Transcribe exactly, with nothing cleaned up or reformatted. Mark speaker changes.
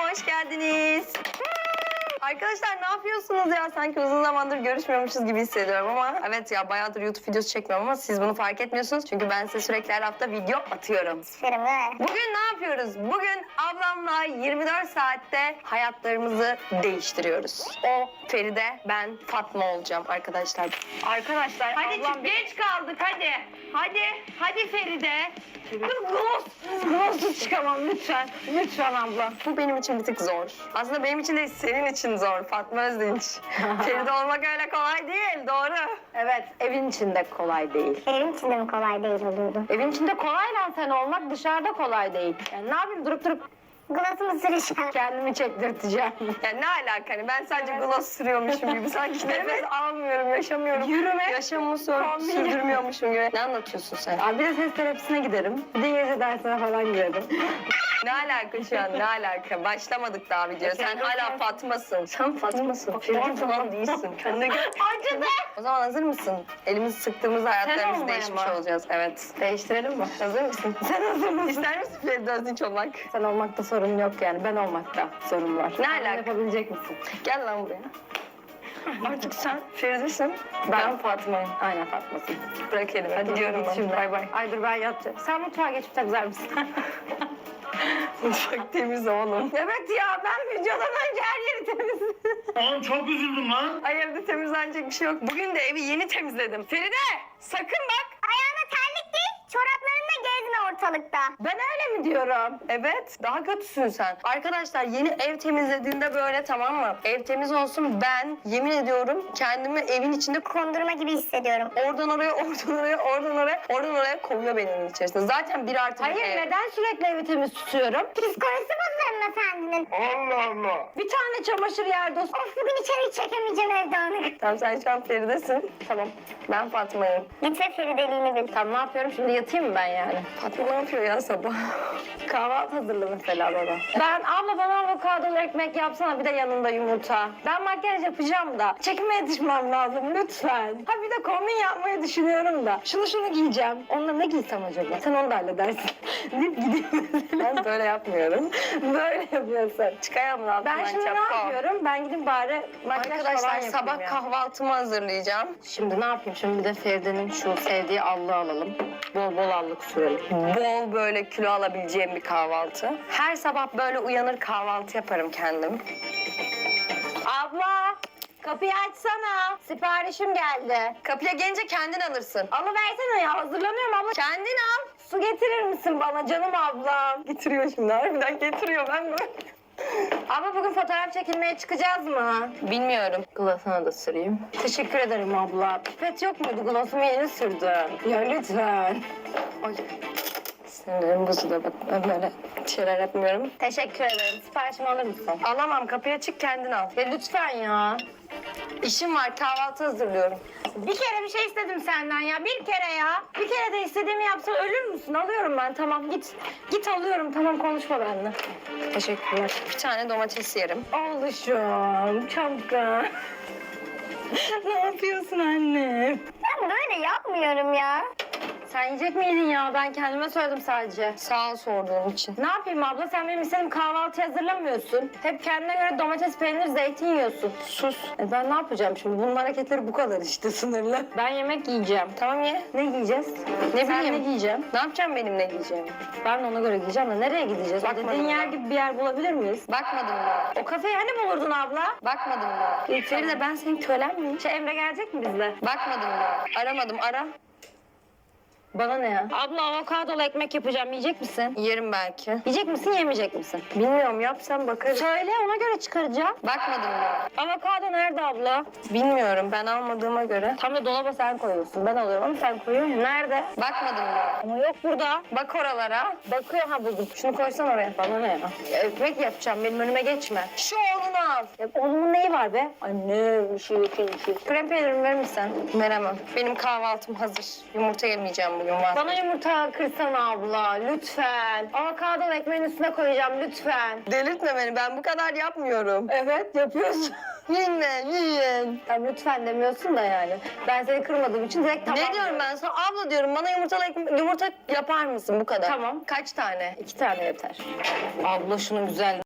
Speaker 1: hoş geldiniz. Arkadaşlar ne yapıyorsunuz ya? Sanki uzun zamandır görüşmüyormuşuz gibi hissediyorum ama evet ya bayağıdır YouTube videosu çekmiyorum ama siz bunu fark etmiyorsunuz. Çünkü ben size sürekli her hafta video atıyorum.
Speaker 2: Süperim değil mi?
Speaker 1: Bugün ne yapıyoruz? Bugün ablamla yirmi dört saatte hayatlarımızı değiştiriyoruz. O Feride, ben Fatma olacağım arkadaşlar. Arkadaşlar
Speaker 3: Hadi
Speaker 1: ablam
Speaker 3: çık, geç kaldık hadi. Hadi, hadi Feride. Gloss, gloss'u çıkamam lütfen. Lütfen abla.
Speaker 1: Bu benim için bir tık zor. Aslında benim için değil, senin için zor Fatma Özdinç. Feride olmak öyle kolay değil, doğru.
Speaker 3: Evet, evin içinde kolay değil.
Speaker 2: Benim için de mi kolay değil olurdu?
Speaker 3: Evin içinde kolay lan sen olmak, dışarıda kolay değil. Yani ne yapayım durup durup
Speaker 2: Gloss'umu süreceğim.
Speaker 3: kendimi çektirteceğim.
Speaker 1: Yani ne alaka hani ben sadece gloss sürüyormuşum gibi sanki nefes almıyorum, yaşamıyorum.
Speaker 3: Yürüme.
Speaker 1: Yaşamımı sür-
Speaker 3: Kombin.
Speaker 1: sürdürmüyormuşum gibi. Ne anlatıyorsun sen?
Speaker 3: Abi bir de ses terapisine giderim. Bir de İngilizce dersine falan girerim.
Speaker 1: Ne alaka şu an, ne alaka? Başlamadık daha video. Sen hala Fatma'sın. Sen Fatma'sın. Feride falan değilsin. Kendine gel.
Speaker 3: Acıdı.
Speaker 1: O zaman hazır mısın? Elimizi sıktığımızda hayatlarımız
Speaker 3: olmaya
Speaker 1: değişmiş
Speaker 3: mı?
Speaker 1: olacağız. Evet.
Speaker 3: Değiştirelim mi?
Speaker 1: Hazır mısın?
Speaker 3: Sen hazır mısın?
Speaker 1: İster misin Feride Özdinç olmak?
Speaker 3: Sen olmakta sorun yok yani. Ben olmakta sorun var.
Speaker 1: Ne
Speaker 3: Sen
Speaker 1: alaka?
Speaker 3: yapabilecek misin?
Speaker 1: Gel lan buraya. Artık sen Feride'sin. Ben,
Speaker 3: Ben-
Speaker 1: Fatma'yım.
Speaker 3: Aynen Fatma'sın.
Speaker 1: Bırak elimi.
Speaker 3: Hadi
Speaker 1: Gidiyorum
Speaker 3: git
Speaker 1: ben.
Speaker 3: şimdi.
Speaker 1: Bay bay.
Speaker 3: Ay dur ben yatacağım. Sen mutfağa geçip takzar mısın?
Speaker 1: Mutfak temiz oğlum.
Speaker 3: Evet ya ben videodan önce her yeri temizledim.
Speaker 4: Oğlum çok üzüldüm lan.
Speaker 1: Ay evde temizlenecek bir şey yok. Bugün de evi yeni temizledim. Feride sakın bak.
Speaker 2: Ayağına terlik giy, çoraplarınla gezme ortalıkta.
Speaker 3: Ben öyle mi diyorum?
Speaker 1: Evet daha kötüsün sen. Arkadaşlar yeni ev temizlediğinde böyle tamam mı? Ev temiz olsun ben yemin ediyorum kendimi evin içinde
Speaker 2: Kondurma gibi hissediyorum.
Speaker 1: oradan oraya, oradan oraya, oradan oraya, oradan oraya koyuyor benim evin içerisinde. Zaten bir artı bir
Speaker 3: Hayır
Speaker 1: ev.
Speaker 3: neden sürekli evi temiz tutuyorum?
Speaker 2: Psikolojisi bozulur hanımefendinin.
Speaker 4: Allah Allah.
Speaker 3: Bir tane çamaşır yerde olsun.
Speaker 2: Of bugün içeri çekemeyeceğim evde onu.
Speaker 1: Tamam sen şu an Feride'sin. Tamam. Ben Fatma'yım.
Speaker 2: Lütfen Ferideliğini bil.
Speaker 3: Tamam ne yapıyorum şimdi yatayım mı ben yani?
Speaker 1: Fatma ne yapıyor ya sabah?
Speaker 3: Kahvaltı hazırla mesela baba. Ben abla bana avokadolu ekmek yapsana bir de yanında yumurta. Ben makyaj yapacağım da çekime yetişmem lazım lütfen. Ha bir de kombin yapmayı düşünüyorum da. Şunu şunu giyeceğim. Onunla ne giysem acaba? Sen onu da halledersin. Deyip gideyim mesela.
Speaker 1: Ben böyle yapmıyorum.
Speaker 3: Böyle yapıyorsun.
Speaker 1: Çıkayım mı
Speaker 3: Ben şimdi ne yapıyorum? Ben gidip bari makyaj falan
Speaker 1: Arkadaşlar
Speaker 3: yapayım
Speaker 1: sabah
Speaker 3: ya.
Speaker 1: kahvaltımı hazırlayacağım.
Speaker 3: Şimdi ne yapayım? Şimdi bir de Feride'nin şu sevdiği allığı alalım. Bol bol allık sürelim.
Speaker 1: Bol böyle kilo alabileceğim bir kahvaltı. Her sabah böyle uyanır kahvaltı yaparım kendim.
Speaker 3: Abla! Kapıyı açsana. Siparişim geldi.
Speaker 1: Kapıya gelince kendin alırsın.
Speaker 3: Alıversene ya. Hazırlanıyorum abla.
Speaker 1: Kendin al.
Speaker 3: Su getirir misin bana canım ablam?
Speaker 1: Getiriyor şimdi harbiden getiriyor ben böyle.
Speaker 3: Abla bugün fotoğraf çekilmeye çıkacağız mı?
Speaker 1: Bilmiyorum.
Speaker 3: Gloss'una da süreyim. Teşekkür ederim abla. Pipet yok muydu? Gloss'umu yeni sürdüm. Ya lütfen.
Speaker 1: Ay. Sinirlerim bozuluyor bak ben böyle şeyler yapmıyorum.
Speaker 3: Teşekkür ederim. Siparişimi alır mısın?
Speaker 1: Alamam kapıya çık kendin al.
Speaker 3: Ya lütfen ya.
Speaker 1: İşim var kahvaltı hazırlıyorum.
Speaker 3: Bir kere bir şey istedim senden ya. Bir kere ya. Bir kere de istediğimi yapsan ölür müsün? Alıyorum ben tamam git. Git alıyorum tamam konuşma benimle.
Speaker 1: Teşekkürler. Bir tane domates yerim.
Speaker 3: Oğluşum çok da. Ne yapıyorsun anne?
Speaker 2: Ben böyle yapmıyorum ya.
Speaker 3: Sen yiyecek miydin ya? Ben kendime söyledim sadece.
Speaker 1: Sağ ol sorduğun için.
Speaker 3: Ne yapayım abla? Sen benim istediğim kahvaltı hazırlamıyorsun. Hep kendine göre domates, peynir, zeytin yiyorsun.
Speaker 1: Sus.
Speaker 3: E ben ne yapacağım şimdi? Bunun hareketleri bu kadar işte sınırlı. Ben yemek yiyeceğim.
Speaker 1: Tamam ye.
Speaker 3: Ne giyeceğiz?
Speaker 1: Ne
Speaker 3: Sen
Speaker 1: bileyim.
Speaker 3: ne giyeceğim?
Speaker 1: Ne yapacağım benim ne giyeceğimi?
Speaker 3: Ben de ona göre giyeceğim de nereye gideceğiz? O
Speaker 1: Bakmadım
Speaker 3: dediğin yer
Speaker 1: ben.
Speaker 3: gibi bir yer bulabilir miyiz?
Speaker 1: Bakmadım daha.
Speaker 3: O kafeyi hani bulurdun abla?
Speaker 1: Bakmadım daha. Feride ben senin kölen miyim?
Speaker 3: Şey Emre gelecek mi bizle?
Speaker 1: Bakmadım daha. Aramadım ara.
Speaker 3: Bana ne ya? Abla avokadolu ekmek yapacağım. Yiyecek misin?
Speaker 1: Yerim belki.
Speaker 3: Yiyecek misin, yemeyecek misin?
Speaker 1: Bilmiyorum yapsam bakarım.
Speaker 3: Söyle ona göre çıkaracağım.
Speaker 1: Bakmadım daha.
Speaker 3: Avokado nerede abla?
Speaker 1: Bilmiyorum ben almadığıma göre.
Speaker 3: Tam da dolaba sen koyuyorsun. Ben alıyorum ama sen koyuyorsun. Nerede?
Speaker 1: Bakmadım daha.
Speaker 3: Ama yok burada.
Speaker 1: Bak oralara.
Speaker 3: Bakıyor ha buldum.
Speaker 1: Şunu koysan oraya.
Speaker 3: Bana ne ya? Ekmek yapacağım. Benim önüme geçme.
Speaker 1: Şu oğlunu al.
Speaker 3: Ya onun neyi var be? Anne bir şey bir şey bir şey.
Speaker 1: Krem peynirimi verir misin? Veremem. Benim kahvaltım hazır. Yumurta yemeyeceğim bugün var.
Speaker 3: Bana yumurta kırsana abla lütfen. Avokado ekmeğin üstüne koyacağım lütfen.
Speaker 1: Delirtme beni ben bu kadar yapmıyorum.
Speaker 3: Evet yapıyorsun.
Speaker 1: Yiyin yiyin.
Speaker 3: Tamam lütfen demiyorsun da yani. Ben seni kırmadığım için direkt tamam.
Speaker 1: Ne diyorum ben sana? Abla diyorum bana yumurtalı ekme- yumurta yapar mısın bu kadar?
Speaker 3: Tamam.
Speaker 1: Kaç tane?
Speaker 3: İki tane yeter.
Speaker 1: Abla şunun güzel